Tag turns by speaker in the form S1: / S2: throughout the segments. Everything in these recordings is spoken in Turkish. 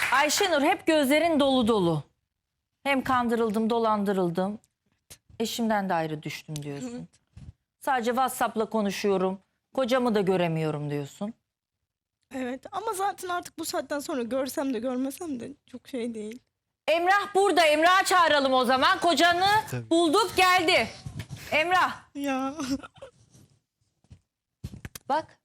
S1: Ayşenur, hep gözlerin dolu dolu. Hem kandırıldım, dolandırıldım. Eşimden de ayrı düştüm diyorsun.
S2: Evet.
S1: Sadece WhatsApp'la konuşuyorum. Kocamı da göremiyorum diyorsun.
S2: Evet ama zaten artık bu saatten sonra görsem de görmesem de çok şey değil.
S1: Emrah burada. Emrah'ı çağıralım o zaman. Kocanı
S3: Tabii.
S1: bulduk, geldi. Emrah
S2: Ya
S1: bak.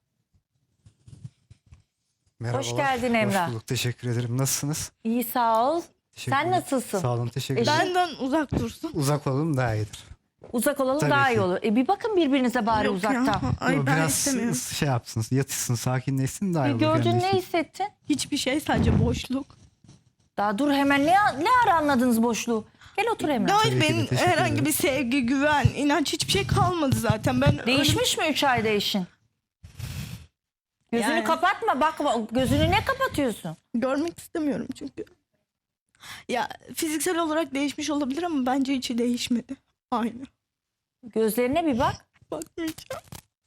S3: Merhabalar.
S1: Hoş geldin Emrah.
S3: Hoş bulduk. Teşekkür ederim. Nasılsınız?
S1: İyi, sağ ol.
S3: Teşekkür
S1: Sen
S3: ederim.
S1: nasılsın?
S3: Sağ olun. Teşekkür ederim.
S2: benden uzak dursun.
S3: Uzak olalım daha iyidir.
S1: Uzak olalım
S3: Tabii
S1: daha iyi
S3: ki.
S1: olur. Bir bakın birbirinize bari
S2: Yok
S1: uzaktan.
S2: ya. Ay ben
S3: Biraz
S2: istemiyorum.
S3: şey yapsın, yatışsın, sakinleşsin daha iyi olur.
S1: Gördün,
S3: kendi
S1: ne
S3: için.
S1: hissettin?
S2: Hiçbir şey, sadece boşluk.
S1: Daha dur hemen, ne ara anladınız boşluğu? Gel otur Emrah.
S2: Hayır,
S3: Tabii ki de,
S2: benim
S3: teşekkür
S2: herhangi
S3: ederim.
S2: bir sevgi, güven, inanç hiçbir şey kalmadı zaten. Ben
S1: Değişmiş mi 3 ayda eşin? Gözünü
S2: Yani-
S1: kapatma, bakma. Gözünü ne kapatıyorsun?
S2: görmek istemiyorum çünkü. Ya fiziksel olarak değişmiş olabilir ama bence içi değişmedi. Aynı.
S1: Gözlerine bir bak.
S2: Bakmayacağım.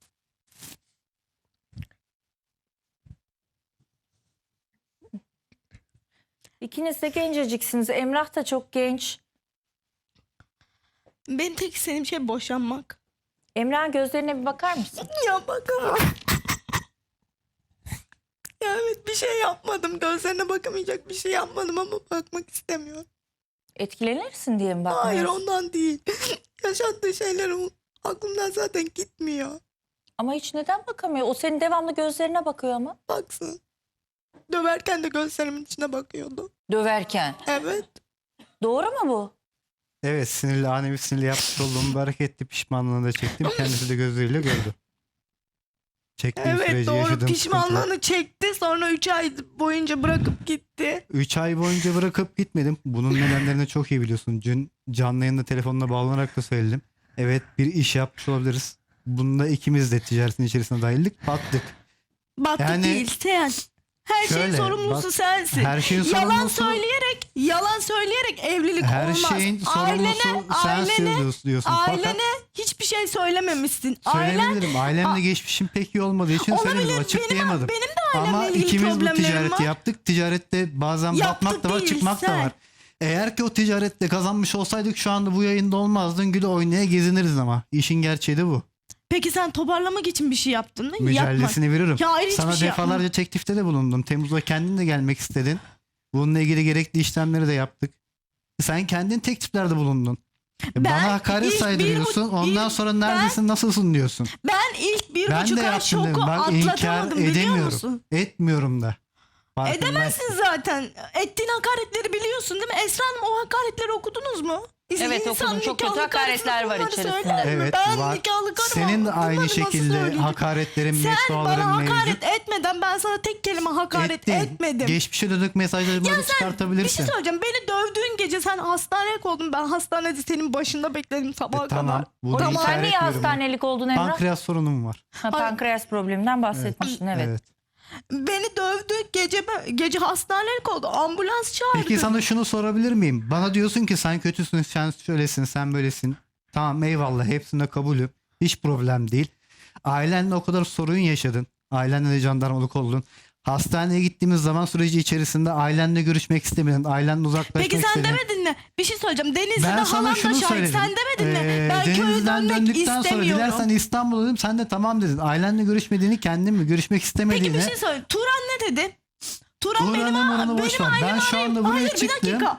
S1: İkiniz de genceciksiniz. Emrah da çok genç.
S2: Benim tek istediğim şey boşanmak.
S1: Emrah'ın gözlerine bir bakar mısın?
S2: Ya bakamam. Ya evet, bir şey yapmadım. Gözlerine bakamayacak bir şey yapmadım ama bakmak istemiyorum.
S1: Etkilenirsin diye mi bakmıyorsun?
S2: Hayır, ondan değil. Yaşattığı şeylerim aklımdan zaten gitmiyor.
S1: Ama hiç neden bakamıyor? O senin devamlı gözlerine bakıyor ama.
S2: Baksın. Döverken de gözlerimin içine bakıyordu.
S1: Döverken.
S2: Evet.
S1: Doğru mu bu?
S3: Evet, sinirli, ani bir sinirli yapmış olduğum bir hareketti. Pişmanlığını da çektim. Kendisi de gözleriyle gördü. Çektiğim
S2: Evet,
S3: süreci
S2: doğru.
S3: yaşadığım
S2: Pişmanlığını çekti. Sonra 3 ay boyunca bırakıp gitti.
S3: 3 ay boyunca bırakıp gitmedim. Bunun nedenlerini çok iyi biliyorsun. Dün canlı yayında telefonla bağlanarak da söyledim. Evet, bir iş yapmış olabiliriz. Bunda ikimiz de ticaretin içerisine dahildik. Battık.
S2: Battık
S3: Yani-
S2: değil sen. Her şeyin
S3: Şöyle,
S2: sorumlusu
S3: bak,
S2: sensin.
S3: her şeyin
S2: Yalan
S3: sorumlusu-
S2: söyleyerek evlilik
S3: Her
S2: olmaz.
S3: şeyin sorumlusu sensin diyorsun.
S2: Ailene
S3: Fakat
S2: hiçbir şey söylememişsin. Ailen
S3: söyleyebilirim. Ailemle geçmişim pek iyi olmadığı için
S2: olabilir.
S3: söylemedim. Açıklayamadım.
S2: Benim de ailemle
S3: Ama
S2: ilgili
S3: ikimiz bu
S2: problemlerim
S3: ticareti
S2: var.
S3: yaptık. Ticarette bazen
S2: Yaptık
S3: batmak da var,
S2: değil,
S3: çıkmak da
S2: sen.
S3: var. Eğer ki o ticarette kazanmış olsaydık şu anda bu yayında olmazdın. Güle oynaya geziniriz ama. İşin gerçeği de bu.
S2: Peki sen toparlamak için bir şey yaptın mı?
S3: Mücadelesini veririm.
S2: Ya hayır, hiçbir
S3: Sana
S2: şey
S3: defalarca
S2: yapmadım.
S3: teklifte de bulundum. Temmuz'da kendin de gelmek istedin. Bununla ilgili gerekli işlemleri de yaptık. Sen kendin tekliflerde bulundun.
S2: Ben
S3: Bana hakaret
S2: ilk
S3: saydırıyorsun. Ondan sonra neredesin, nasılsın diyorsun.
S2: Ben ilk bir
S3: Ben
S2: buçuk
S3: de
S2: ay
S3: yaptım dedim.
S2: şoku
S3: Bak inkar
S2: atlatamadım, biliyor
S3: edemiyorum.
S2: musun?
S3: Etmiyorum da. Farkındayım.
S2: Edemezsin zaten. Ettiğin hakaretleri biliyorsun değil mi? Esra Hanım, o hakaretleri okudunuz mu?
S1: Evet,
S2: İnsan
S1: okudum. Çok kötü
S2: nikahlı
S1: hakaretler
S2: karısına
S1: var
S2: bunları
S1: içerisinde.
S2: söyler mi?
S3: Evet,
S2: Ben
S3: var.
S2: nikahlı karıma
S3: Senin de aynı
S2: bunları nasıl
S3: şekilde
S2: söyleyeceğim?
S3: hakaretlerin,
S2: Sen
S3: mevzuaların
S2: bana
S3: mevcut.
S2: hakaret etmeden ben sana tek kelime hakaret
S3: Ettin.
S2: etmedim.
S3: Geçmişe dönük mesajları böyle
S2: Bir şey
S3: çıkartabilirsin.
S2: söyleyeceğim. Beni dövdüğün gece sen hastaneye koydun. Ben hastanede senin başında bekledim sabaha
S3: Tamam.
S2: kadar.
S3: Bunu
S1: Sen
S3: inkar
S1: niye
S3: etmiyorum.
S1: hastanelik oldun Emrah?
S3: Pankreas sorunum var.
S1: Pankreas probleminden bahsetmiştin, evet.
S2: Beni dövdü. Gece hastanelik oldu. Ambulans çağırdı.
S3: Peki sana şunu sorabilir miyim? Bana diyorsun ki sen kötüsün, sen şöylesin, sen böylesin. Tamam, eyvallah, hepsine kabulüm. Hiç problem değil. Ailenle o kadar sorun yaşadın. Ailenle de jandarmalık oldun. Hastaneye gittiğimiz zaman süreci içerisinde ailenle görüşmek istemedin. Ailenle uzaklaşmak
S2: Peki sen
S3: istedin.
S2: demedin mi? Bir şey söyleyeceğim. Denizli'de
S3: Ben sana
S2: halam da
S3: şunu
S2: şahit.
S3: söyledim.
S2: Sen demedin mi? Ben köye
S3: Denizli'den
S2: dönmek
S3: döndükten sonra
S2: istemiyorum.
S3: dilersen İstanbul'a dedim. Sen de tamam dedin. Ailenle görüşmediğini, kendin mi görüşmek istemediğini.
S2: Peki bir şey söyle. Turan ne dedi? Turan benim
S3: Turan'ın boş ver. Ben şu anda buraya
S2: Hayır, bir
S3: çıktım.
S2: dakika.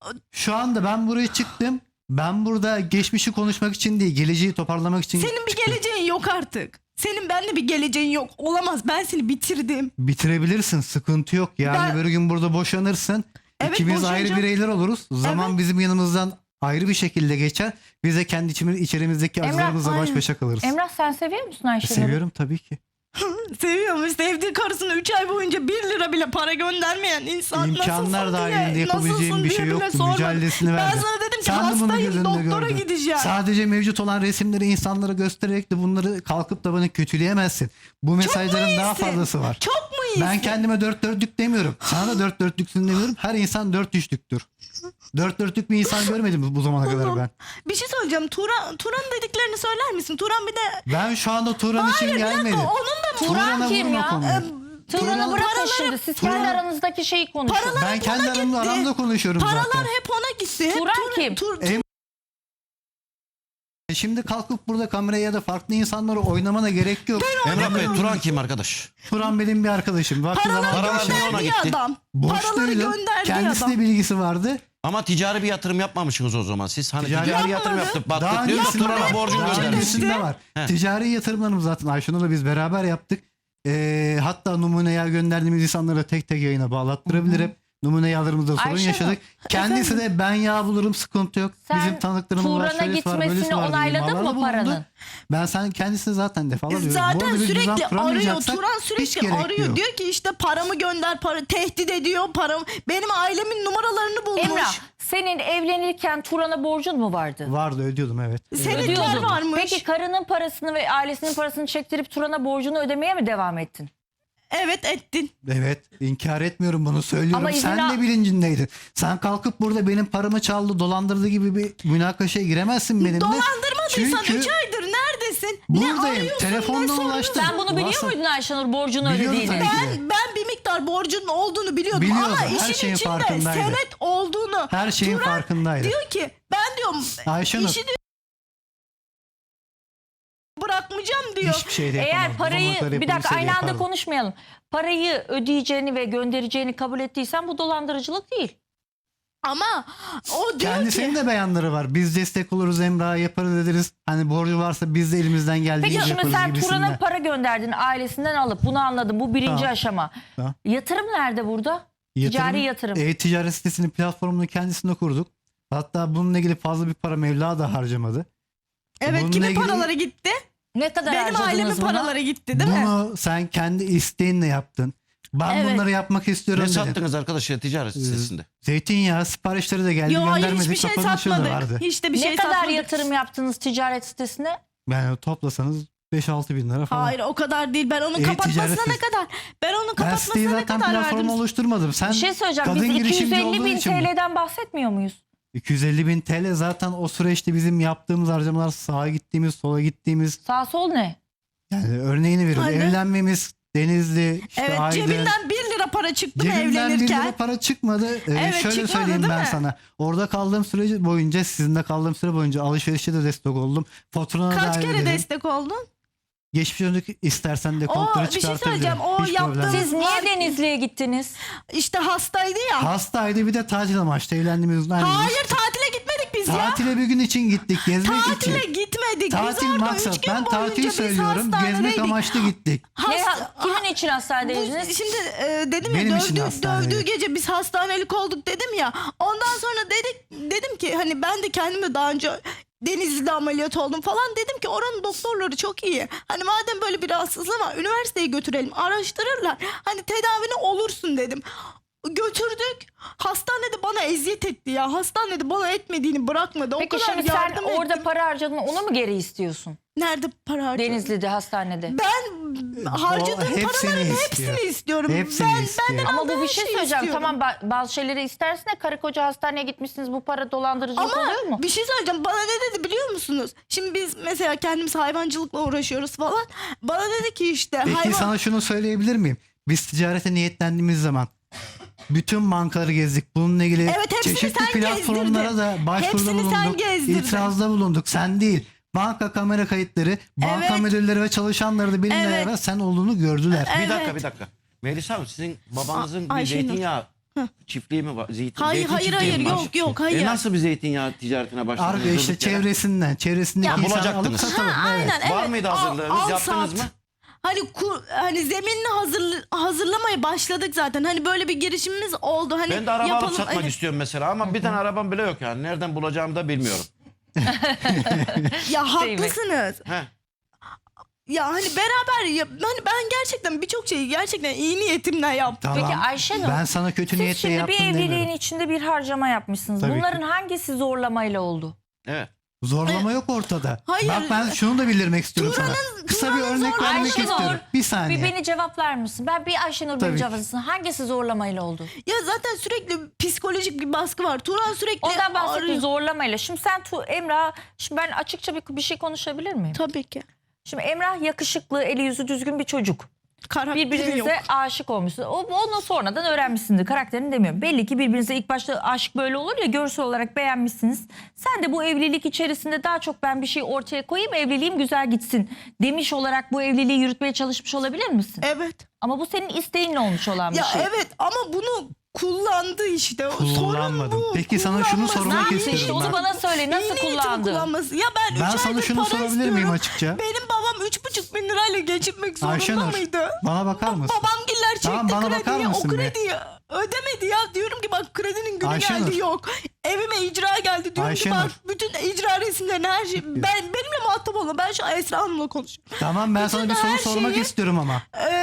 S3: Şu anda ben buraya çıktım. Ben burada geçmişi konuşmak için değil, geleceği toparlamak için
S2: Senin bir
S3: çıktım.
S2: geleceğin yok artık. Senin benimle bir geleceğin yok. Olamaz. Ben seni bitirdim.
S3: Bitirebilirsin, sıkıntı yok. Yani
S2: Ben-
S3: bir gün burada boşanırsın.
S2: Evet,
S3: İkimiz ayrı
S2: boşanacağım.
S3: bireyler oluruz. Zaman
S2: Evet.
S3: bizim yanımızdan ayrı bir şekilde geçer. Biz de kendi içerimizdeki
S1: Emrah,
S3: acılarımızla baş
S2: aynen.
S3: başa kalırız.
S1: Emrah, sen seviyor musun Ayşenur'u?
S3: Seviyorum tabii ki.
S2: Seviyormuş. Sevdiği karısına 3 ay boyunca 1 lira bile para göndermeyen insan.
S3: İmkanlar
S2: nasılsın
S3: dahilinde
S2: diye,
S3: yapabileceğim
S2: nasılsın
S3: bir
S2: diye
S3: şey
S2: bile
S3: yoktu.
S2: sormadı.
S3: Mücadelesini
S2: Ben
S3: verdi.
S2: sana dedim ki
S3: Sen de bunu
S2: hastayım,
S3: gözünde
S2: doktora
S3: gördün.
S2: gideceğim.
S3: Sadece mevcut olan resimleri insanlara göstererek de bunları kalkıp da bana kötüleyemezsin. Bu mesajların daha
S2: iyisin?
S3: fazlası var.
S2: Çok mu iyisin?
S3: Ben kendime dört dörtlük demiyorum. Sana da dört dörtlüksün demiyorum. Her insan dört üçlüktür. Dört dörtlük bir insan görmedim bu zamana kadar ben.
S2: Bir şey söyleyeceğim. Turan dediklerini söyler misin? Turan bir de...
S3: Ben şu anda Turan için
S2: Hayır, bir dakika.
S3: gelmedim.
S2: Onun da
S1: Turan
S3: Turan'a
S1: kim
S3: vurma
S1: ya?
S3: konuyu.
S1: Turan'ı bırakın
S2: paraları-
S1: şimdi. Siz
S3: Turan-
S1: kendi aranızdaki şeyi konuşun.
S2: Paralar
S3: Ben
S2: hep
S3: kendi
S2: ona
S3: aramda,
S2: gitti.
S3: aramda konuşuyorum
S2: Paralar
S3: zaten.
S2: hep ona gitti. Hep
S1: Turan kim?
S3: Em- Şimdi kalkıp burada kameraya ya da farklı insanları oynamana gerek yok.
S4: Emrah Bey Turan kim arkadaş?
S3: Turan benim bir arkadaşım. Vakti
S2: Paraları
S3: zamanında
S4: Paralar niye ona
S2: gönderdiği
S4: gitti?
S2: adam. Paraları
S3: borçluydum.
S2: gönderdiği
S3: Kendisine
S2: adam.
S3: bilgisi vardı.
S4: Ama ticari bir yatırım yapmamışsınız o zaman. Siz hani
S3: Ticari
S4: ticari,
S3: yapmadı.
S4: yatırım yaptık.
S3: Daha
S4: Baktık diyor da
S3: öncesinde
S4: Turan'a
S3: var.
S4: borcunu
S3: Daha
S4: göndermiş.
S3: öncesinde var.
S4: He.
S3: Ticari yatırımlarımız zaten Ayşenur'la biz beraber yaptık. Hatta numuneye gönderdiğimiz insanları tek tek yayına bağlattırabilirim. Numune yağlarımızda sorun
S1: Ayşenur,
S3: yaşadık. Kendisi de ben yağ bulurum, sıkıntı yok.
S1: Sen
S3: Bizim tanıklarımız var,
S1: Turan'a
S3: şöylesi var, böylesi
S1: gitmesini
S3: var diye
S1: onayladın
S3: imalarda
S1: mı
S3: bulundu.
S1: paranın?
S3: Ben sen kendisine zaten defalarca diyorum. Bu
S2: Zaten
S3: arada bir düzen
S2: sürekli arıyor.
S3: kuramayacaksak
S2: Turan
S3: hiç
S2: sürekli
S3: gerek
S2: arıyor.
S3: yok.
S2: Diyor ki işte paramı gönder, tehdit ediyor paramı. Benim ailemin numaralarını bulmuş.
S1: Emrah, senin evlenirken Turan'a borcun mu vardı?
S3: Vardı, ödüyordum evet.
S2: Senetler
S1: Ödüyordun.
S2: varmış.
S1: Peki karının parasını ve ailesinin parasını çektirip Turan'a borcunu ödemeye mi devam ettin?
S2: Evet ettin.
S3: Evet, inkar etmiyorum, bunu söylüyorum.
S1: Ama izin
S3: Sen
S1: al-
S3: de bilincindeydin. Sen kalkıp burada benim paramı çaldı, dolandırdı gibi bir münakaşaya giremezsin benimle.
S2: Dolandırmadıysan
S3: Çünkü
S2: 3 aydır neredesin? Ne
S3: buradayım.
S2: arıyorsun?
S3: Telefondan
S2: ne soruyorsun?
S3: ulaştım.
S1: Sen bunu biliyor
S3: WhatsApp-
S1: muydun Ayşenur borcunu
S3: Biliyorum
S1: ödediğini?
S3: tabii ki.
S2: Ben bir miktar borcunun olduğunu biliyordum
S3: Biliyordum,
S2: ama
S3: her
S2: işin
S3: şeyin
S2: içinde
S3: farkındaydı.
S2: senet olduğunu.
S3: Her şeyin
S2: Turan
S3: farkındaydı.
S2: diyor ki ben diyorum
S3: Ayşenur,
S2: işi diyor, bırakmayacağım diyor.
S3: hiçbir şey de
S1: Eğer
S3: yapamaz. Bu zamana
S1: parayı
S3: kadar
S1: bir dakika
S3: yapılmışsa
S1: aynı anda
S3: yapardım.
S1: konuşmayalım. Parayı ödeyeceğini ve göndereceğini kabul ettiysen bu dolandırıcılık değil.
S2: Ama o diyor
S3: Kendisinin
S2: ki
S3: de beyanları var. Biz destek oluruz, Emrah'a yaparız ederiz. Hani borcu varsa biz de elimizden geldiği
S1: Peki
S3: gibi
S1: şimdi
S3: yaparız
S1: sen Turan'a
S3: gibisinden.
S1: para gönderdin ailesinden alıp bunu anladım. Bu birinci
S3: Tamam.
S1: aşama.
S3: Tamam.
S1: Yatırım nerede burada? Ticari yatırım.
S3: E-ticaret sitesinin platformunu kendisinde kurduk. Hatta bununla ilgili fazla bir para meblağ da harcamadı.
S2: evet
S3: bununla
S2: kimin
S3: ilgili-
S2: paraları gitti?
S1: Ne kadar
S2: Benim
S1: harcadınız
S2: ailemin
S1: buna?
S2: paraları gitti değil mi?
S3: Bunu sen kendi isteğinle yaptın. Ben
S2: Evet.
S3: bunları yapmak istiyorum
S4: Ne
S3: dedin.
S4: sattınız arkadaşlar ticaret sitesinde?
S3: Zeytinyağı siparişleri de geldi,
S2: Yo hayır
S3: göndermedik,
S2: hiçbir şey
S3: kapanışı da
S2: satmadık.
S3: vardı.
S2: Hiç de bir
S1: Ne
S2: şey
S1: kadar
S2: satmadık.
S1: yatırım yaptınız ticaret sitesine?
S3: Yani toplasanız 5-6 bin lira falan.
S2: Hayır o kadar değil. Ben onun
S3: E-ticaret
S2: kapatmasına ne
S3: sitesi.
S2: kadar? Ben onun
S3: Ben siteyi
S2: kapatmasına ne
S3: zaten
S2: kadar
S3: platformu
S2: verdim?
S3: oluşturmadım. Sen
S1: Bir şey söyleyeceğim.
S3: kadın
S1: Biz
S3: girişimci
S1: 250
S3: olduğun
S1: bin
S3: için bu.
S1: TL'den bahsetmiyor muyuz?
S3: 250 bin TL zaten o süreçte bizim yaptığımız harcamalar, sağa gittiğimiz, sola gittiğimiz.
S1: Sağ sol ne?
S3: Yani örneğini veriyorum.
S2: Aynen.
S3: Evlenmemiz, Denizli, işte
S2: Evet
S3: Aydın.
S2: cebinden 1 lira para çıktı mı
S3: Cebimden 1
S2: evlenirken?
S3: lira para çıkmadı.
S2: Evet,
S3: Şöyle
S2: çıkmadı,
S3: söyleyeyim
S2: değil
S3: ben
S2: mi?
S3: sana. Orada kaldığım süre boyunca, sizinle kaldığım süre boyunca alışverişte de destek oldum. Faturana
S2: Kaç
S3: dahil
S2: kere
S3: ederim.
S2: destek oldun?
S3: Geçmiş döndük, istersen de
S2: O,
S3: kontları
S2: bir şey
S3: çıkartabilirim.
S2: söyleyeceğim. O
S3: Hiç
S2: yaptığınız-
S3: problem yok.
S1: Siz niye Denizli'ye gittiniz?
S2: İşte hastaydı ya.
S3: Hastaydı, bir de tatil amaçlı evlendiğimiz gün aynı gün.
S2: Hayır tatile gitmedik biz ya.
S3: Tatile bir gün için gittik, gezmek
S2: Tatile
S3: için.
S2: gitmedik.
S3: Tatil
S2: biz orada 3
S3: maksat.
S2: gün
S3: Ben
S2: boyunca
S3: tatil
S2: biz
S3: söylüyorum. Gezmek
S2: hastanedeydik.
S3: amaçlı gittik.
S1: Kimin için hastanedeydiniz?
S2: Şimdi dedim
S3: Benim
S2: ya
S3: için hastaneydi.
S2: dövdüğü gece biz hastanelik olduk dedim ya. Ondan sonra dedim ki hani ben de kendime daha önce Denizli'de ameliyat oldum falan, dedim ki oranın doktorları çok iyi. Hani madem böyle bir rahatsızlığı var üniversiteye götürelim, araştırırlar. Hani tedavine olursun dedim. Götürdük. Hastanede bana eziyet etti ya. Hastanede bana etmediğini bırakmadı.
S1: Peki
S2: o kadar
S1: şimdi sen
S2: yardım
S1: orada
S2: ettim.
S1: para harcadın, onu mu geri istiyorsun?
S2: Nerede para harcadın?
S1: Denizli'de hastanede.
S2: Ben harcadığım
S3: hepsini
S2: paraların
S3: istiyor.
S2: hepsini istiyorum.
S3: Hepsini istiyor.
S2: Benden
S1: Ama bu
S2: aldığı
S1: bir
S2: her
S1: şey
S2: şeyi
S1: söyleyeceğim.
S2: istiyorum.
S1: Tamam bazı şeyleri istersin de karı koca hastaneye gitmişsiniz, bu para dolandırıcılık
S2: Ama
S1: oluyor mu?
S2: bir şey söyleyeceğim. Bana ne dedi biliyor musunuz? Şimdi biz mesela kendimiz hayvancılıkla uğraşıyoruz falan. Bana dedi ki işte
S3: Peki sana şunu söyleyebilir miyim? Biz ticarete niyetlendiğimiz zaman bütün bankaları gezdik. Bununla ilgili
S2: Evet, hepsini
S3: çeşitli
S2: sen
S3: platformlara
S2: gezdirdin.
S3: da başvuruda
S2: Hepsini sen
S3: bulunduk.
S2: gezdirdin.
S3: İtirazda bulunduk. Sen değil. Banka kamera kayıtları, banka
S2: Evet.
S3: müdürleri ve çalışanları da benimle
S2: Evet.
S3: beraber sen olduğunu gördüler.
S2: Evet.
S4: Bir dakika. Melisa Hanım sizin babanızın bir
S2: Ayşenur.
S4: zeytinyağı çiftliği mi var?
S2: Hayır, hayır,
S4: çiftliği mi var?
S2: yok, hayır.
S4: Nasıl bir zeytinyağı ticaretine başladınız?
S3: İşte
S4: durduk yere?
S3: çevresindeki
S4: Ya,
S3: insanı alıp
S4: bulacaktınız.
S3: satalım. Evet.
S2: Aynen,
S4: Var
S2: evet.
S4: mıydı hazırlığınız?
S2: Al,
S4: Yaptınız
S2: sat.
S4: mı?
S2: Hani zeminini hazırlamaya başladık zaten. Hani böyle bir girişimimiz oldu. Hani
S4: Ben de araba
S2: yapalım,
S4: alıp satmak
S2: hani-
S4: istiyorum mesela ama bir tane arabam bile yok yani. Nereden bulacağımı da bilmiyorum.
S2: Ya
S1: Değil mi?
S2: haklısınız.
S4: He.
S2: Ya hani beraber hani ben gerçekten birçok şeyi gerçekten iyi niyetimle yaptım.
S3: Tamam.
S1: Peki Ayşenur,
S3: Ben sana kötü
S1: siz
S3: niyetle
S1: şimdi bir
S3: yaptım
S1: evliliğin
S3: demiyorum.
S1: içinde bir harcama yapmışsınız.
S3: Tabii
S1: Bunların
S3: ki.
S1: hangisi zorlamayla oldu?
S4: Evet.
S3: Zorlama yok ortada.
S2: Hayır.
S3: Bak ben şunu da bildirmek istiyorum sana. Kısa bir
S2: Turan'ın
S3: örnek
S2: zorlaması-
S3: vermek
S1: Ayşenur,
S3: istiyorum. Bir saniye.
S1: Bir beni cevaplar mısın? Ben bir Ayşenur
S3: Tabii
S1: beni
S3: ki.
S1: cevaplasın. Hangisi zorlamayla oldu?
S2: Ya zaten sürekli psikolojik bir baskı var. Turan sürekli
S1: Ondan bahsettim,
S2: arıyor.
S1: zorlamayla. Şimdi sen Emrah, şimdi ben açıkça bir şey konuşabilir miyim?
S2: Tabii ki.
S1: Şimdi Emrah yakışıklı, eli yüzü düzgün bir çocuk.
S2: Karakteri
S1: Birbirinize
S2: yok.
S1: aşık olmuşsunuz. Onu sonradan öğrenmişsindir. Karakterini demiyorum. Belli ki birbirinize ilk başta aşk böyle olur ya, görsel olarak beğenmişsiniz. Sen de bu evlilik içerisinde daha çok ben bir şey ortaya koyayım, evliliğim güzel gitsin demiş olarak bu evliliği yürütmeye çalışmış olabilir misin?
S2: Evet.
S1: Ama bu senin isteğinle olmuş olan bir
S2: Ya
S1: şey.
S2: evet ama bunu kullandı işte.
S3: Kullanmadım.
S2: Sorun bu.
S3: Peki sana şunu
S2: Kullanması.
S3: sormak
S2: Ne yaptı
S3: istiyorum
S1: İşte
S3: ben.
S1: onu bana söyle, nasıl
S2: İyi niyetini
S1: kullandı?
S2: kullanması. Ya ben 3
S3: Ben
S2: aydır
S3: sana şunu
S2: para
S3: sorabilir miyim
S2: istiyorum.
S3: açıkça?
S2: Benim babam 3,5 bin lirayla geçinmek zorunda
S3: Ayşenur,
S2: mıydı?
S3: bana bakar mısın?
S2: Babamgiller çekti
S3: Tamam, bana bakar
S2: krediyi. O
S3: mısın be?
S2: krediyi ödemedi ya. Diyorum ki bak kredinin günü
S3: Ayşenur.
S2: geldi yok. Evime icra geldi. Diyorum ki
S3: Ayşenur.
S2: bak bütün icra resimlerini her şey. Benimle muhatap olma. Ben şu an Esra Hanım'la konuşuyorum.
S3: Tamam, ben sana bir
S2: Bütün
S3: soru
S2: her
S3: sormak
S2: şeyi-
S3: istiyorum ama.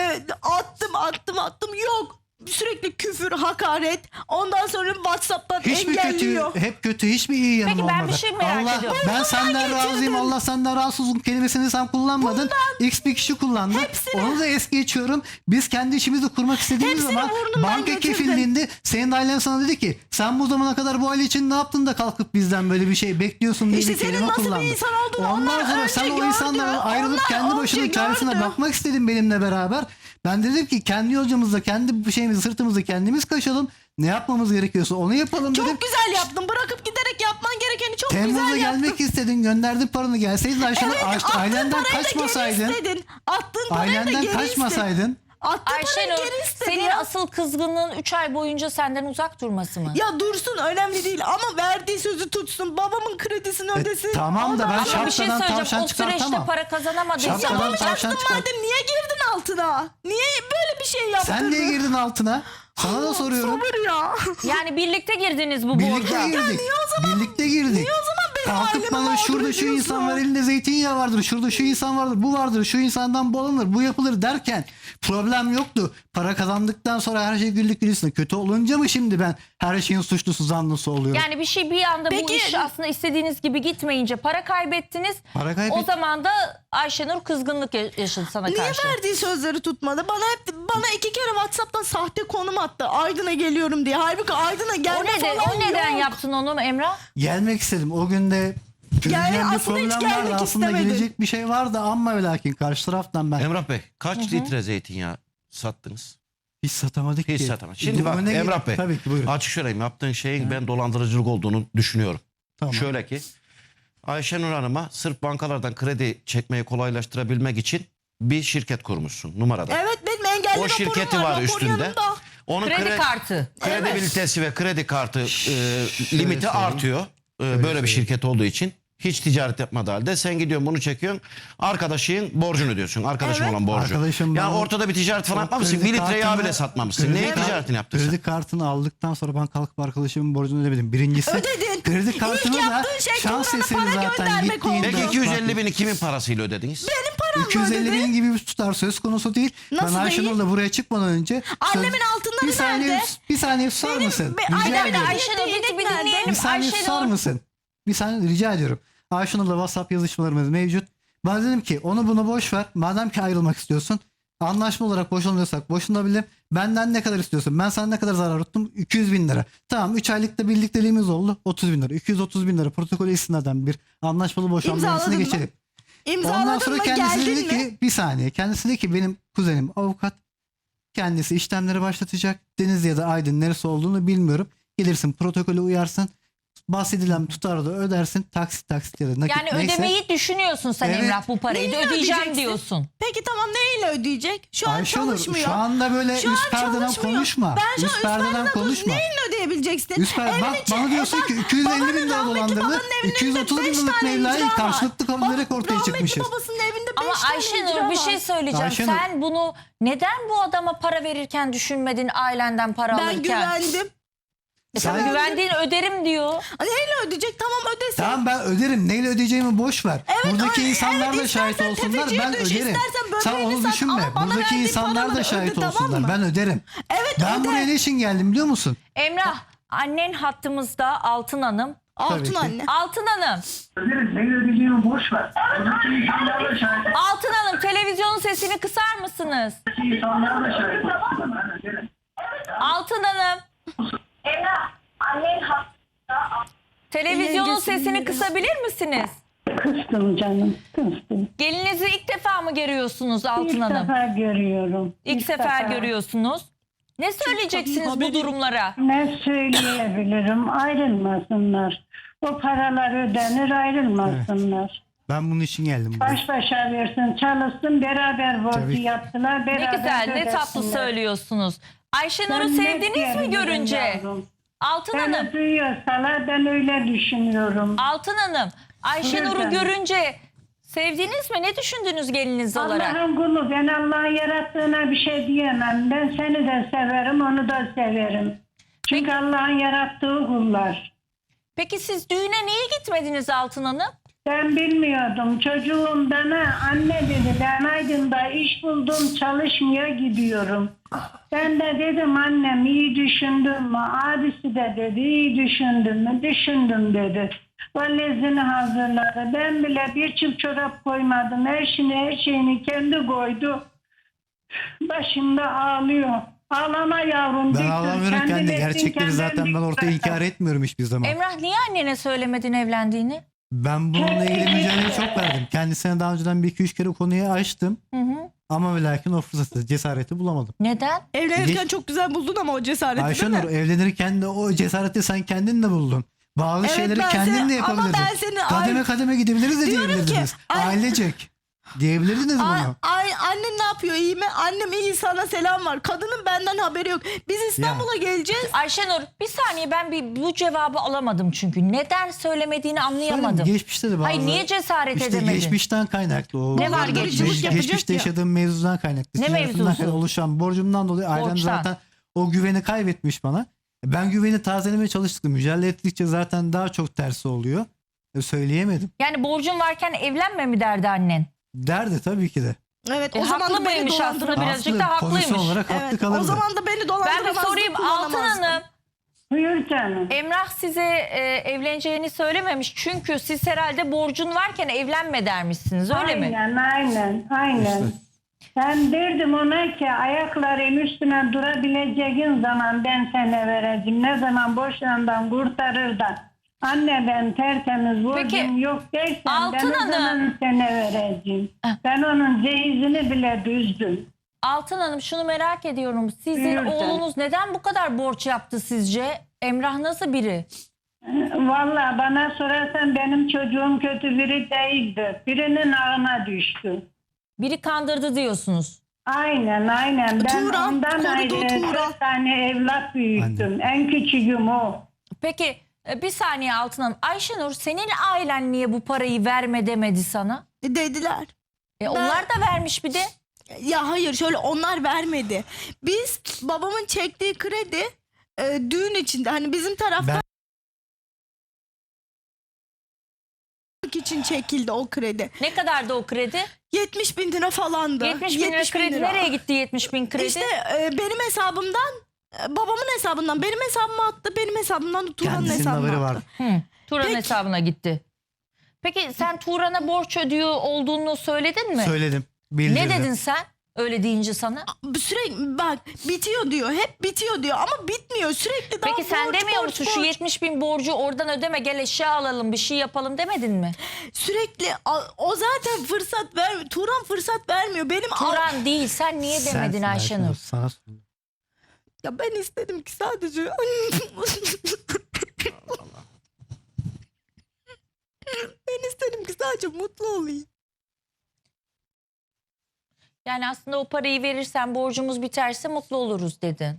S2: Attım yok. Sürekli küfür, hakaret. Ondan sonra WhatsApp'tan
S3: Hiç mi
S2: engelliyor.
S3: kötü, hep kötü, hiçbir iyi yanım
S1: Peki
S3: olmadı.
S1: ben bir şey merak
S3: Allah,
S1: ediyorum.
S3: ben senden razıyım, Allah senden razı olsun kelimesini sen kullanmadın. X bir kişi kullandı.
S2: Hepsini-
S3: Onu da es geçiyorum. Biz kendi işimizi kurmak istediğimiz
S2: Hepsini
S3: zaman
S2: burnundan
S3: banka
S2: getirdin.
S3: kefilliğinde senin ailen sana dedi ki sen bu zamana kadar bu aile için ne yaptın da kalkıp bizden böyle bir şey bekliyorsun diye
S2: İşte
S3: bir
S2: senin
S3: kelime
S2: nasıl bir
S3: kullandı.
S2: insan olduğunu
S3: Ondan
S2: onlar
S3: sonra
S2: önce
S3: sen o
S2: gördü.
S3: insanlardan ayrılıp
S2: Onlar
S3: kendi
S2: önce
S3: başının çaresine
S2: gördü.
S3: bakmak istedin benimle beraber. Ben dedim ki kendi yolcumuzda kendi şeyimizi sırtımızda kendimiz kaşalım. Ne yapmamız gerekiyorsa onu yapalım dedim.
S2: Çok güzel yaptın. Bırakıp giderek yapman gerekeni çok
S3: Temmuz'da
S2: güzel yaptın.
S3: gelmek istedin, gönderdin paranı, gelseydin Ayşenur,
S2: Evet, attığın
S3: ailenden
S2: parayı da geri
S3: kaçmasaydın.
S2: istedin. Attığın parayı da
S3: Ailenden
S2: geri
S3: kaçmasaydın.
S2: istedin. Attığın parayı
S1: Ayşenur,
S2: geri istedin
S1: senin
S2: ya.
S1: asıl kızgınlığın 3 ay boyunca senden uzak durması mı?
S2: Ya dursun önemli değil ama verdiği sözü tutsun. Babamın kredisini ödesin.
S3: tamam da ben
S2: Ondan sonra-
S1: Ama bir şey
S3: şapkadan
S1: söyleyeceğim.
S3: tavşan
S1: O süreçte
S3: çıkartamam.
S1: para kazanamadın.
S3: Şapkadan
S2: Yapamayacaktın
S3: tavşan çıkart.
S2: madem niye girdin altına? Niye böyle bir şey yaptın?
S3: Sen niye girdin altına? Sana da soruyorum.
S2: Sabır ya.
S1: Yani birlikte girdiniz bu
S3: Birlikte
S1: borca.
S3: girdik. Birlikte girdik.
S2: Niye o zaman benim
S3: Kalkıp
S2: ailemi
S3: bana
S2: mağdur
S3: şurada şu
S2: ediyorsun?
S3: insan var, elinde zeytinyağı vardır, şurada şu insan vardır, bu vardır, şu insandan bu alınır, bu yapılır derken problem yoktu. Para kazandıktan sonra her şey güllük gülistanlık. Kötü olunca mı şimdi ben her şeyin suçlusu zanlısı oluyorum?
S1: Yani bir şey bir anda bu
S2: Peki-
S1: iş aslında istediğiniz gibi gitmeyince para kaybettiniz.
S3: Para kaybettim.
S1: O zaman da Ayşenur kızgınlık yaşadı sana
S2: Niye
S1: karşı.
S2: verdiği sözleri tutmadı? Bana 2 kere WhatsApp'tan sahte konum attı. Aydın'a geliyorum diye. Halbuki Aydın'a
S1: O
S2: gelme
S1: neden,
S2: falan
S1: o neden
S2: yok.
S1: yaptın onu Emrah?
S3: Gelmek istedim. O günde çözeceğim bir
S2: aslında hiç
S3: problem vardı.
S2: gelmek
S3: Aslında
S2: istemedin.
S3: gelecek bir şey vardı ama ve lakin karşı taraftan ben
S4: Emrah Bey kaç litre zeytinyağı sattınız?
S3: hiç satamadık
S4: Hiç
S3: ki.
S4: satamadık. Şimdi bak
S3: Önüne
S4: Emrah Bey
S3: Tabii ki buyurun.
S4: açık söyleyeyim yaptığın şeyin ben dolandırıcılık olduğunu düşünüyorum.
S3: Tamam.
S4: Şöyle ki Ayşenur Hanım'a sırf bankalardan kredi çekmeyi kolaylaştırabilmek için bir şirket kurmuşsun numarada.
S2: Evet benim engelli
S4: O
S2: raporum
S4: şirketi var
S2: rapor
S4: üstünde.
S2: yanımda.
S4: Onun
S1: Kredi kartı.
S4: kredibilitesi ve kredi kartı limiti
S3: söyleyeyim.
S4: artıyor. Böyle bir şirket olduğu için. Hiç ticaret yapmadığı halde sen gidiyorsun bunu çekiyorsun. Arkadaşın borcunu ödüyorsun. Arkadaşın
S2: Evet.
S4: olan borcu.
S3: Arkadaşım
S4: Yani
S3: bana-
S4: ortada bir ticaret falan yapmamışsın.
S3: Kredi
S4: 1 litre yağ
S3: kartını-
S4: bile satmamışsın.
S3: kredi
S4: Neyin
S3: kart-
S4: ticaretini yaptın sen?
S3: Kredi kartını aldıktan sonra ben kalkıp arkadaşımın borcunu ödemedim. Birincisi
S2: Ödedin.
S3: kredi kartını
S2: İlk
S3: da
S2: yaptığın şey
S3: şans
S2: Turan'a
S3: eseri
S2: para
S3: zaten
S2: göndermek oldu.
S3: gittiğinde.
S4: Peki 250 bini kimin parasıyla ödediniz?
S2: Benim param
S3: 250
S2: ödedi.
S3: bin gibi bir tutar söz konusu değil.
S2: Nasıl
S3: ben Ayşenur'la buraya çıkmadan önce
S2: Annemin altınları
S3: bir saniye,
S2: nerede?
S3: bir saniye susar
S2: Benim-
S3: mısın?
S2: be-
S3: Rica
S2: Aynen,
S3: ediyorum.
S1: Ayşenur bir
S2: nerede?
S1: dinleyelim.
S3: Bir saniye susar
S1: Ayşenur.
S3: mısın? Bir saniye rica ediyorum. Ayşenur'la WhatsApp yazışmalarımız mevcut. Ben dedim ki onu bunu boş ver. Madem ki ayrılmak istiyorsun. Anlaşma olarak boşanıyorsak boşanabilirim. Benden ne kadar istiyorsun? Ben sana ne kadar zarar tuttum? 200 bin lira. Tamam 3 aylıkta birlikteliğimiz oldu. 30 bin lira. 230 bin lira protokolü istinaden bir anlaşmalı boşanma
S2: İmzaladın
S3: yasasına
S2: mı?
S3: geçelim. Ondan
S2: İmzaladın
S3: sonra
S2: mı
S3: kendisi dedi
S2: geldin mi?
S3: ki bir saniye. Kendisi dedi ki benim kuzenim avukat. Kendisi işlemleri başlatacak. Denizli ya da Aydın neresi olduğunu bilmiyorum. Gelirsin protokole uyarsın. Bahsedilen tutarı da ödersin. Taksit ya da nakit
S1: Yani
S3: neyse.
S1: ödemeyi düşünüyorsun sen
S3: Evet.
S1: Emrah bu parayı da
S2: Neyle
S1: ödeyeceğim
S2: ödeyeceksin?
S1: diyorsun.
S2: Peki tamam neyle ödeyecek? Şu an
S3: Ayşenur
S2: çalışmıyor.
S3: şu anda böyle
S2: Şu an
S3: üst perdeden
S2: çalışmıyor.
S3: konuşma.
S2: Ben şu an
S3: Üst perdeden konuşma.
S2: Neyle ödeyebileceksin?
S3: Üst perde, bak
S2: Evin içi-
S3: bana diyorsun ki 250 bin
S2: babanın
S3: lira
S2: rahmetli
S3: dolandırdı.
S2: babanın evinin
S3: 230 bin
S2: önünde 5
S3: liralık
S2: tane
S3: mevlayı
S2: icra var.
S3: karşılıklı kabul ederek ortaya
S2: Rahmetli
S3: çıkmışız.
S2: babasının evinde 5
S1: Ama
S2: tane
S1: Ayşenur
S2: icra
S1: bir
S2: var.
S1: şey söyleyeceğim.
S3: Ayşenur.
S1: Sen bunu neden bu adama para verirken düşünmedin ailenden para
S2: Ben
S1: alırken?
S2: güvendim.
S1: Sen
S3: Sen-
S1: güvendiğin öderim diyor.
S2: Neyle ödeyecek? Tamam ödesin.
S3: Tamam ben öderim. Neyle ödeyeceğimi boş ver. Buradaki
S2: öyle.
S3: insanlar
S2: Evet,
S3: da şahit
S2: istersen
S3: olsunlar.
S2: tefeciye
S3: Ben
S2: düş,
S3: öderim.
S2: istersen
S3: Sen
S2: böbreğini
S3: onu
S2: sat
S3: düşünme.
S2: ama bana
S3: Buradaki
S2: verdiğin
S3: insanlar
S2: paraları
S3: da şahit
S2: öde, tamam
S3: olsunlar.
S2: mı?
S3: Ben öderim.
S2: Evet
S3: Ben
S2: öde.
S3: buraya ne için geldim biliyor musun?
S1: Emrah annen hattımızda Altın Hanım.
S2: Altın
S3: Tabii ki.
S2: anne.
S1: Altın Hanım.
S5: Öderiz. Neyle ödeyeceğimi boş ver. Buradaki insanlar da şahit.
S1: Altın Hanım televizyonun sesini kısar mısınız?
S5: Buradaki insanlar da şahit olsun. Ben öderim.
S1: Altın Hanım.
S6: Emrah, annen hasta.
S1: Televizyonun
S2: Yengesini
S1: sesini
S2: biliyor.
S1: kısabilir misiniz?
S6: Kıstım canım, kıstım.
S1: Gelinizi ilk defa mı görüyorsunuz Altın
S6: İlk
S1: Hanım?
S6: defa görüyorum.
S1: İlk sefer
S6: defa.
S1: görüyorsunuz. Ne söyleyeceksiniz bu durumlara?
S6: Ne söyleyebilirim? Ayrılmasınlar. O paralar ödenir, ayrılmasınlar.
S3: Ben bunun için geldim buraya.
S6: Baş başa versin, çalışsın, beraber borcu
S3: Tabii.
S6: yaptılar,
S1: Ne
S6: beraber
S1: güzel, ne tatlı
S6: ödesinler.
S1: söylüyorsunuz. Ayşenur'u
S6: Ben ne
S1: sevdiniz mi
S6: diyebilirim
S1: görünce?
S6: yavrum?
S1: Altın Hanım,
S6: Beni duyuyorsalar ben öyle düşünüyorum.
S1: Altın Hanım, Ayşenur'u
S6: Buyurun.
S1: görünce sevdiniz mi? Ne düşündünüz geliniz olarak?
S6: Allah'ın kulu, ben Allah'ın yarattığına bir şey diyemem. Ben seni de severim, onu da severim. Çünkü
S1: Peki.
S6: Allah'ın yarattığı kullar.
S1: Peki siz düğüne niye gitmediniz Altın Hanım?
S6: Ben bilmiyordum. Çocuğum bana anne dedi, ben Aydın'da iş buldum, çalışmaya gidiyorum. Ben de dedim annem iyi düşündün mü? Abisi de dedi iyi düşündün mü? Düşündüm dedi. Valizini hazırladı. Ben bile bir çift çorap koymadım. Her şeyini kendi koydu. Başımda ağlıyor. Ağlama yavrum.
S3: Ben
S6: Dikkat.
S3: ağlamıyorum
S6: Kendin
S3: kendi.
S6: ettin,
S3: Gerçekleri
S6: kendin
S3: zaten ben ortaya
S6: dikkat.
S3: inkar etmiyorum hiçbir zaman.
S1: Emrah niye annene söylemedin evlendiğini?
S3: Ben bununla ilgili mücadele çok verdim. Kendisine daha önceden bir iki üç kere konuyu açtım.
S1: Hı hı.
S3: Ama ve lakin o fırsatı, cesareti bulamadım.
S1: Neden?
S2: Evlenirken
S3: Geç-
S2: çok güzel buldun ama o cesareti
S3: Ayşenur
S2: değil mi?
S3: evlenirken de o cesareti sen kendin de buldun. Bazı
S2: Evet,
S3: şeyleri
S2: ben
S3: kendin
S2: seni-
S3: de
S2: ama
S3: yapabilirdin.
S2: ben seni
S3: Kademe kademe gidebiliriz de
S2: Diyorum ki,
S3: diyebilirdiniz.
S2: ay-
S3: Ailecek diyebilirdiniz bunu.
S2: Annen ne yapıyor, iyi mi? Annem iyi, sana selam var. Kadının benden haberi yok. Biz İstanbul'a geleceğiz.
S1: Ayşenur bir saniye ben bu cevabı alamadım çünkü. Neden söylemediğini anlayamadım.
S3: Söyleyeyim, geçmişte de bazı...
S1: Hayır niye cesaret
S3: İşte
S1: edemedin?
S3: geçmişten kaynaklı. O
S1: Ne var
S2: geçmiş?
S3: Geçmişte
S2: Yapacak ya.
S3: yaşadığım mevzudan kaynaklı.
S1: Ne
S3: Ticaretimden
S1: mevzusu?
S3: kaynaklı oluşan borcumdan dolayı ailem
S1: Borçtan.
S3: zaten o güveni kaybetmiş bana. Ben güveni tazelemeye çalıştıkça, mücadele ettikçe zaten daha çok tersi oluyor. Söyleyemedim.
S1: Yani borcun varken evlenme mi derdi annen?
S3: Derdi tabii ki de.
S2: Evet,
S1: O
S2: zaman
S1: haklı
S2: da beni
S1: mıymış aslında
S2: dolandıramaz.
S1: birazcık da haklıymış.
S3: Pozisyon olarak haklı
S2: Evet,
S3: kalırdı.
S2: o zaman da beni
S1: Ben bir
S2: dolandıramazdı.
S1: sorayım Altın
S2: kullanamazdı.
S1: Hanım.
S6: Buyur canım.
S1: Emrah size evleneceğini söylememiş. Çünkü siz herhalde borcun varken evlenme dermişsiniz öyle mi?
S6: Aynen.
S3: İşte.
S6: Ben derdim ona ki ayakların üstüne durabileceğin zaman ben sana vereceğim. Ne zaman boşandan kurtarır da anne ben tertemiz borcum
S1: Peki,
S6: yok dersen
S1: Altın
S6: ben o
S1: Hanım.
S6: zaman sana vereceğim. Ben onun cehizini bile düzdüm.
S1: Altın Hanım şunu merak ediyorum. Sizin
S6: Buyur canım.
S1: oğlunuz neden bu kadar borç yaptı sizce? Emrah nasıl biri?
S6: Vallahi bana sorarsan benim çocuğum kötü biri değildi. Birinin ağına düştü.
S1: Biri kandırdı diyorsunuz.
S6: Aynen. Ben
S2: Turan,
S6: ondan
S2: korudu
S6: ayrı
S2: Turan.
S6: 4 tane evlat büyüttüm. En küçüğüm o.
S1: Peki bir saniye Altın Hanım. Ayşenur senin ailen niye bu parayı verme demedi sana?
S2: Dediler.
S1: Onlar da vermiş bir de.
S2: Ya hayır, şöyle, onlar vermedi. Biz babamın çektiği kredi düğün içinde, hani bizim taraftan için çekildi o kredi.
S1: Ne kadardı o kredi?
S2: 70 bin lira falandı.
S1: 70 bin lira kredi. Nereye gitti 70 bin kredi?
S2: İşte benim hesabımdan, babamın hesabından benim hesabıma attı. Benim hesabımdan da Turan'ın
S3: Kendisinin
S2: hesabına
S3: haberi
S2: attı.
S3: var.
S1: Turan
S2: Peki.
S1: hesabına gitti. Peki sen Turan'a borç ödüyor olduğunu söyledin mi?
S3: Söyledim.
S1: Ne
S3: Bildirdim.
S1: dedin sen? Öyle deyince sana.
S2: Sürekli bak, bitiyor diyor. Hep bitiyor diyor ama bitmiyor. Sürekli daha
S1: Peki sen
S2: borç,
S1: demiyor
S2: borç,
S1: musun şu
S2: borç.
S1: 70 bin borcu oradan ödeme gel eşya alalım bir şey yapalım demedin mi?
S2: Sürekli o zaten fırsat vermiyor. Turan fırsat vermiyor. Benim
S1: Turan değil sen niye demedin
S3: Sensin
S1: Ayşenur?
S3: Sana sordum.
S2: Ya ben istedim ki sadece ben istedim ki sadece mutlu olayım.
S1: Yani aslında o parayı verirsen borcumuz biterse mutlu oluruz dedin.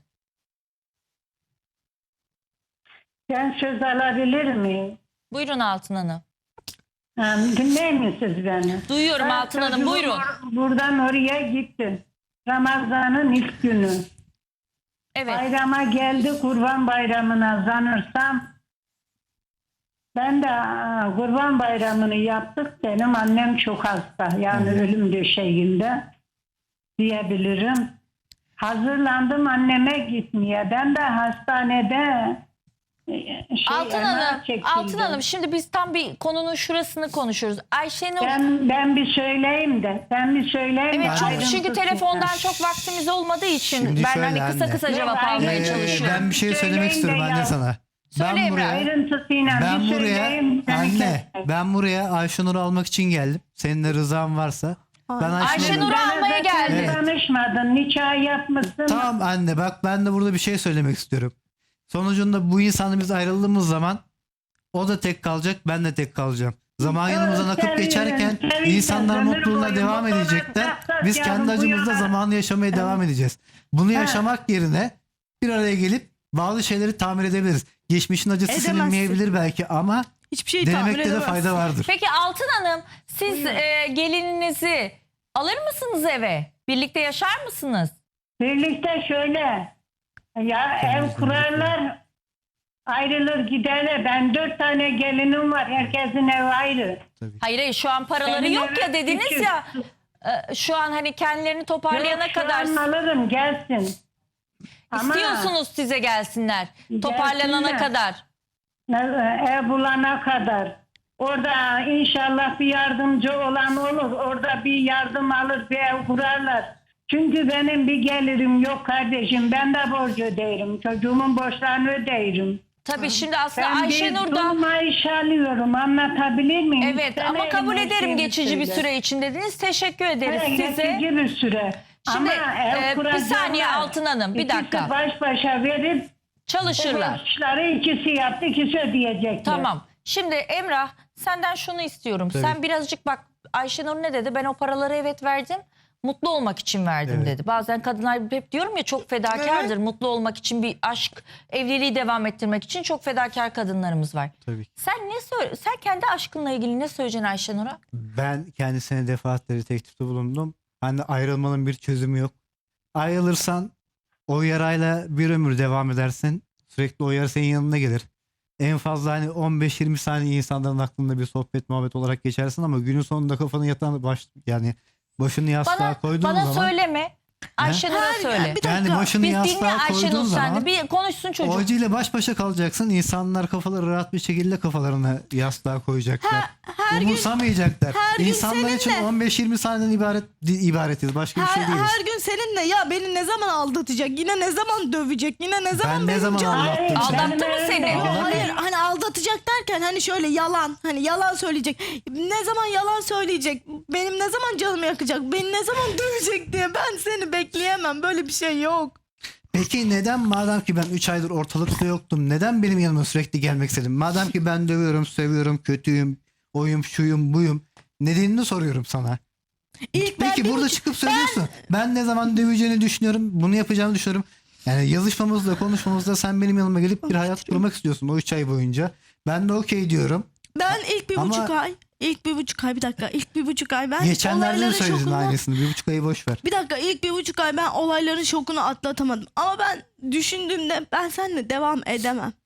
S6: Ben söz alabilir miyim?
S1: Buyurun Altın Hanım.
S6: Dinler misiniz beni?
S1: Duyuyorum
S6: Ben
S1: Altın Hanım
S6: çocuğum
S1: buyurun.
S6: Buradan oraya gittim. Ramazan'ın ilk günü.
S1: Evet.
S6: Bayrama geldi, Kurban Bayramı'na zanırsam. Ben de Kurban Bayramı'nı yaptık. Benim annem çok hasta. Yani ölüm döşeğinde diyebilirim. Hazırlandım anneme gitmeye. Ben de hastanede
S1: Altın
S6: MR
S1: Hanım,
S6: çekildim.
S1: Altın Hanım şimdi biz tam bir konunun şurasını konuşuyoruz. Ayşenur
S6: Ben bir söyleyeyim de.
S1: evet çok
S6: ayrıntı
S1: çünkü
S6: tutma.
S1: telefondan çok vaktimiz olmadığı için
S3: Şimdi
S1: ben
S3: şöyle
S1: hani kısa
S3: anne.
S1: kısa cevap
S6: Yok,
S1: almaya
S6: aynen.
S1: çalışıyorum.
S3: Ben bir şey
S6: Söyleyin
S3: söylemek
S6: de
S3: istiyorum anne
S6: ya.
S3: sana.
S1: Söyle
S3: Ben
S1: Emrah.
S3: buraya-
S6: Ayrıntısıyla
S3: Ben
S6: bir
S3: buraya
S6: söyleyeyim. seni
S3: anne,
S6: kesmek.
S3: ben buraya Ayşenur'u almak için geldim. Senin de rızan varsa. Ben
S1: Ayşenur'u
S6: Bana
S1: almaya
S6: zaten
S1: geldi.
S3: Evet.
S6: Danışmadın, nikah yapmışsın.
S3: Tamam anne, bak ben de burada bir şey söylemek istiyorum. Sonucunda bu insanla biz ayrıldığımız zaman o da tek kalacak, ben de tek kalacağım. Zaman yanımızdan akıp
S6: Sevindim,
S3: geçerken
S6: sevindim.
S3: insanlar
S6: Ömür
S3: mutluluğuna
S6: boyu
S3: devam
S6: mutluluğa
S3: edecekler.
S6: kalksak
S3: Biz
S6: yarın
S3: kendi
S6: bu
S3: acımızda
S6: yana-
S3: zamanı yaşamaya devam edeceğiz. Bunu yaşamak yerine bir araya gelip bazı şeyleri tamir edebiliriz. Geçmişin acısı
S2: Edemezsin.
S3: silinmeyebilir belki ama
S2: Hiçbir şeyi tamir
S3: denemekte de
S2: edemezsin.
S3: fayda vardır.
S1: Peki Altın Hanım, siz gelininizi alır mısınız eve? Birlikte yaşar mısınız?
S6: Birlikte şöyle. Ya ev kurarlar, ayrılır giderler. Ben 4 tane gelinim var. Herkesin evi ayrı.
S1: Hayır hayır, şu an paraları
S6: Benim
S1: yok ya
S6: eve
S1: dediniz
S6: küçük.
S1: ya. Şu an hani kendilerini toparlayana
S6: Yok, şu
S1: kadar
S6: an alırım gelsin. Ama
S1: istiyorsunuz size gelsinler. Toparlanana
S6: Gelsinler.
S1: kadar.
S6: ev bulana kadar. Orada inşallah bir yardımcı olan olur. Orada bir yardım alır, bir ev kurarlar. Çünkü benim bir gelirim yok kardeşim. Ben de borç öderim. Çocuğumun borçlarını öderim.
S1: Tabii şimdi aslında
S6: Ben
S1: Ayşenur
S6: bir
S1: da
S6: maaş alıyorum. Anlatabilir miyim?
S1: evet
S6: Sen
S1: ama kabul
S6: elime
S1: ederim
S6: şeyini
S1: geçici bir
S6: söyle.
S1: süre için dediniz. Teşekkür ederiz
S6: Evet,
S1: size.
S6: geçici bir süre.
S1: Şimdi,
S6: Ama ev
S1: bir
S6: kuracaklar.
S1: saniye Altın Hanım, bir
S6: İkisi
S1: dakika.
S6: baş başa verip
S1: Çalışırlar.
S6: borçları ikisi yaptı, ikisi ödeyecekler.
S1: Tamam. Şimdi Emrah, senden şunu istiyorum.
S3: Tabii.
S1: Sen birazcık bak, Ayşenur ne dedi? Ben o paraları evet verdim. Mutlu olmak için verdim
S3: Evet.
S1: dedi. Bazen kadınlar hep diyorum ya çok fedakardır. Mutlu olmak için, bir aşk, evliliği devam ettirmek için çok fedakar kadınlarımız var.
S3: Tabii ki.
S1: Sen kendi aşkınla ilgili ne söyleyeceksin Ayşenur'a?
S3: Ben kendisine defaatleri teklifte bulundum. Hani ayrılmanın bir çözümü yok. Ayrılırsan o yarayla bir ömür devam edersin. Sürekli o yara senin yanına gelir. En fazla hani 15-20 saniye insanların aklında bir sohbet muhabbet olarak geçersin ama günün sonunda kafanı yatan yani başını yastığa koyduğun
S1: Bana
S3: zaman
S1: söyleme. Ayşenur'a
S2: Her-
S1: söyle.
S2: bir
S3: yani
S2: dakika.
S3: başını
S1: Biz dinle
S3: yastığa
S1: Ayşenur
S3: koyduğun
S1: sen de.
S3: zaman
S1: Bir konuşsun çocuk.
S3: o acıyla baş başa kalacaksın. İnsanlar kafaları rahat bir şekilde kafalarını yastığa koyacaklar.
S2: her gün-
S3: Umursamayacaklar.
S2: her gün
S3: İnsanlar için
S2: seninle-
S3: 15-20 saniyeden ibaretiz. Başka bir şey değiliz.
S2: Her gün seninle ya beni ne zaman aldatacak, yine ne zaman dövecek, yine ne zaman
S3: Ben ne
S2: benim
S3: zaman
S2: canım-
S3: aldattım seni?
S1: Aldattı mı seni?
S2: Yo,
S3: Aldatmadım.
S2: hayır hani aldatacak derken hani şöyle yalan, hani yalan söyleyecek. Ne zaman yalan söyleyecek, benim ne zaman canımı yakacak, beni ne zaman dövecek diye ben seni bekleyemem, böyle bir şey yok.
S3: Peki neden madem ki ben 3 aydır ortalıkta yoktum neden benim yanıma sürekli gelmek istedin? Madem ki ben dövüyorum, seviyorum, kötüyüm, oyum, şuyum, buyum. Nedenini soruyorum sana.
S2: İlk ben
S3: Peki
S2: bir
S3: burada
S2: buçuk-
S3: çıkıp söylüyorsun. Ben ne zaman döveceğini düşünüyorum, bunu yapacağımı düşünüyorum. Yani yazışmamızda, konuşmamızda sen benim yanıma gelip bir hayat kurmak istiyorsun o 3 ay boyunca. Ben de okey diyorum.
S2: Ben ilk bir
S3: Ama-
S2: buçuk ay, ilk bir buçuk ay ben
S3: Geçenlerde de
S2: olayların
S3: söyledin
S2: şokunu-
S3: aynısını. 1,5 ayı boş ver.
S2: Bir dakika, ilk bir buçuk ay ben olayların şokunu atlatamadım. Ama ben düşündüğümde ben seninle devam edemem.